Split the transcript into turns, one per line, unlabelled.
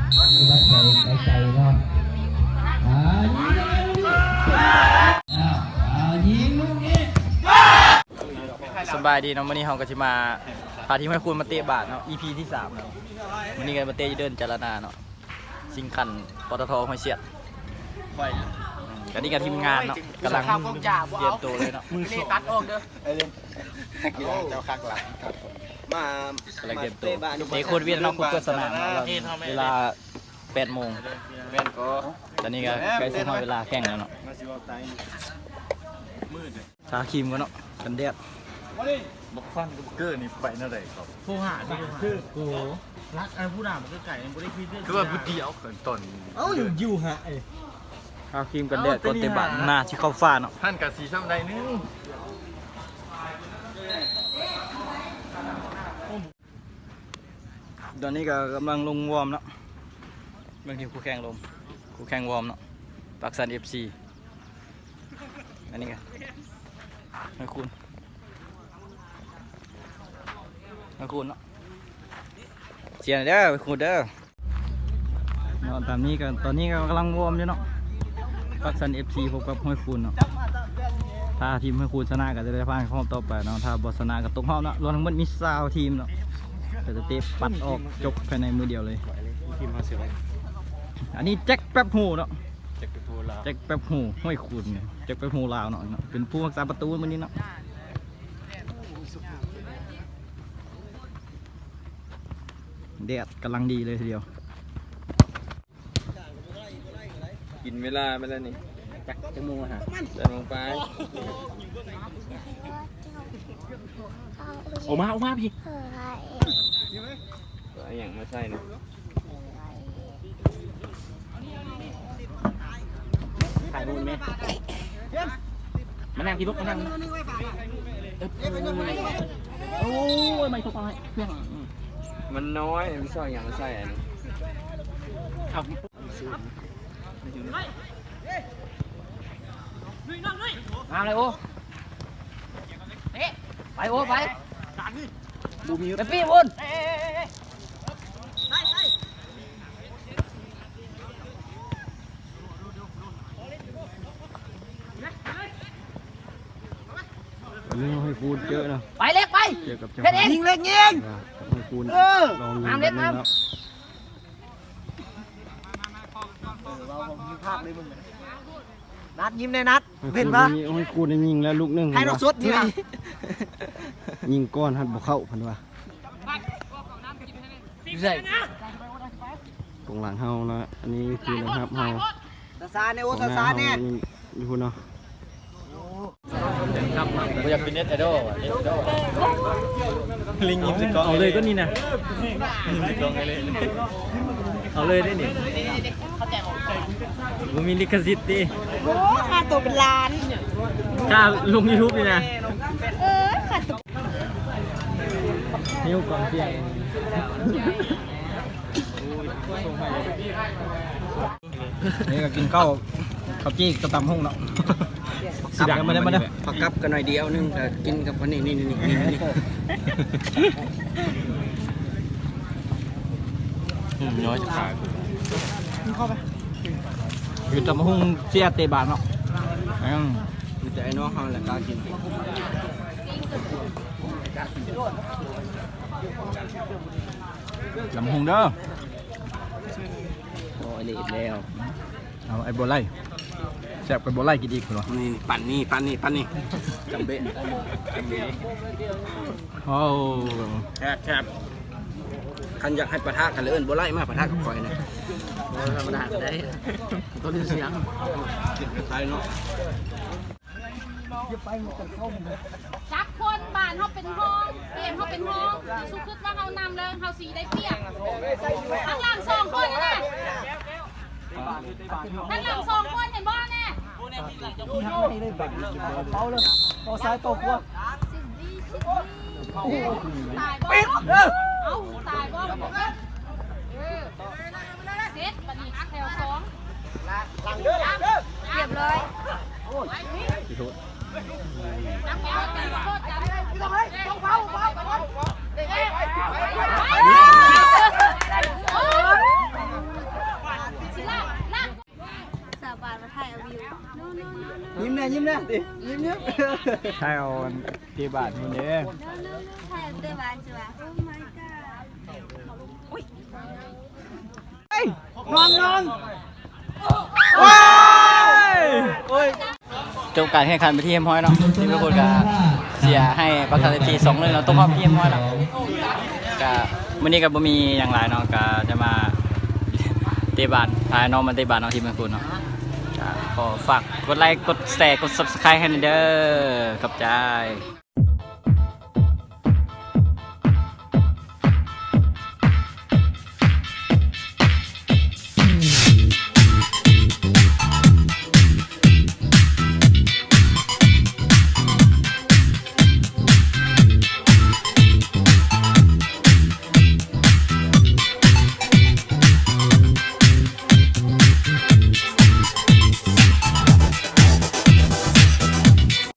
ใจเนาะยิงลูกนี้สบายดีเนาะวันนี้เราก็จะมาพาทีมให้คุณมาเตะบาทเนาะ EP ที่3เนาะวันนี้ก็มาเตะเดินจารณาเนาะสิงคันปตทห้วยเสียดกันนี่กับทีมงานเนาะกำลังเตรียมตัวเลยเนาะมือตัดออกเด้อกีฬาเจ้าคักหลายมาเตะตัวเตะโคตรเวียนเนาะคุกเกอร์สนามเวลา8 โมงตอนนี้ก็ใกล้ถึงเวลาแข่งแล้วเนาะชาครีมกันเนาะกันแดด
บักฟันกับเกอร์นี่ไปนั่นเลยครับ
ผู้หานี่คือโอ้รักผู้ด่ามันก็ไก่มันไม่ได้คิดเรื่อง
คือว่าบุตรีเอาเขินตน
อยู่ฮะ
ชาครีมกันแดดก่อนเตะบาทหน้าที่เข้าฟ้าเนาะ
ท่านกับสีช่ำใดนึง
ตอนนี้ก็กำลังลงวอร์มเนาะบางทีคู่แข่งลงคู่แข่งวอร์มเนาะปากซัน FC อันนี้กันให้คุณเนาะเชียร์เด้อไปคุณเด้อตอนนี้ก็กำลังวอร์มอยู่เนาะปากซัน FC พบกับห้วยคุณเนาะถ้าทีมห้วยคุณชนะก็จะได้ผ่านเข้ารอบต่อไปเนาะถ้าบอชนะก็ตกรอบเนาะรวมทั้งหมดมี20ทีมเนาะจะเตะปัดออกจบภายในมือเดียวเลยอันนี้แจ็คแป๊บหูเนาะแจ็คแป๊บหูห้วยคุณแจ็คแป๊บหูลาวเนาะเป็นผู้รักษาประตูวันนี้เนาะแดดกำลังดีเลยทีเดียว
กินเวลาไปแล้วนี่
จักจะมูฮะ
จะลงไป
ออกมาพี่
อะไรอย่างมาใส่นะ
ถ่ายรูปไหมมานั่งพี่ลูกมานั่งโอ้ยไม่ถูกไปเพื่อน
มันน้อยไม่ใช่อย่างมาใส่อันนี้
ครับมาเลยโอ้ไปโอ้ไปบูมีไปพี่บุญ
วันนี้ให้คูณเยอะนะ
ไปเล็กไป
เจอกับ
เล็กยิง
ให้คูณลองยิงกันแล้ว
นัดยิ้มในนัดเห็นปะ
ให้คูณยิงแล้วลูกนึง
ให้เราสุดที
ยิงก้อนหัดบ่เข้าพันว่าตรงหลังเฮานะอันนี้คือนะครับเฮา
ซาเนโอซาเนี่ย
อยู่คุณเนาะ
อยากเป็นเน็ตไอดอลลิงยิ้มสิกอง
เอาเลยก็นี่นะ
ยิ้มสิกองเลย
เอาเลยได้นี่ผมมีลิขสิทธิ์ดิ
โอ้ค่าตัวเป็นล้าน
ค่าลง YouTube นี่นะ
ค่าตัว
นิ้วกองเสียงนี่ก็กินข้าวจี้กระตำห้องเนาะสิดังมาได้
ผักกับกันหน่อยเดียวนึงแต่กินกับคนนี้นี่
น้อยจะขาด
เข้าไป
อยู่ตำห้องเสียเตะบานเนาะ
อยู่แต่ไอ้น้องเขาแหละกล้ากิน
ลำห้องเด้อ
โอ้ยเละแล้ว
เอาไอ้บัวไล่แซ่บกับบัวไล่กินอีกเหรอ
นี่ปั่นนี่จำเบ้
โอ้
แคบคันอยากให้ปะทะกันเลยบัวไล่มาปะทะกับคอยนะธรรมดาก็ได้ตัวนี้เสียงกินไทยเนาะ
จับคนบ้านเขาเป็นห้องเกมเขาเป็นห้องสุขุดว่าเขานำเลยเขาสีได้เปรียบข้างหลัง2 คนนะข้างหลัง2 คนเห็นบ่แน่
เอาซ้ายตกว่า
ตายบ่เอาตายบ่เสร็จบัดนี้แถว2เรียบเลยน้ำแก้วกันโคตรกันต้องเผา
ยิ้มแน่ดิยิ้ม
ใช่เอาตีบาทมันเด้
นอน
ว้ายจบการแข่งขันไปที่เอ็มฮอยเนาะทีมทุกคนก็เสียให้ประกันที2-1เราต้องมอบที่เอ็มฮอยเนาะก็วันนี้ก็บ่มีอย่างไรเนาะก็จะมาเตะบาทพาน้องมาเตะบาทน้องทีมเมืองคุณเนาะก็ขอฝากกดไลค์กดแชร์กด Subscribe ให้หน่อยเด้อขอบใจ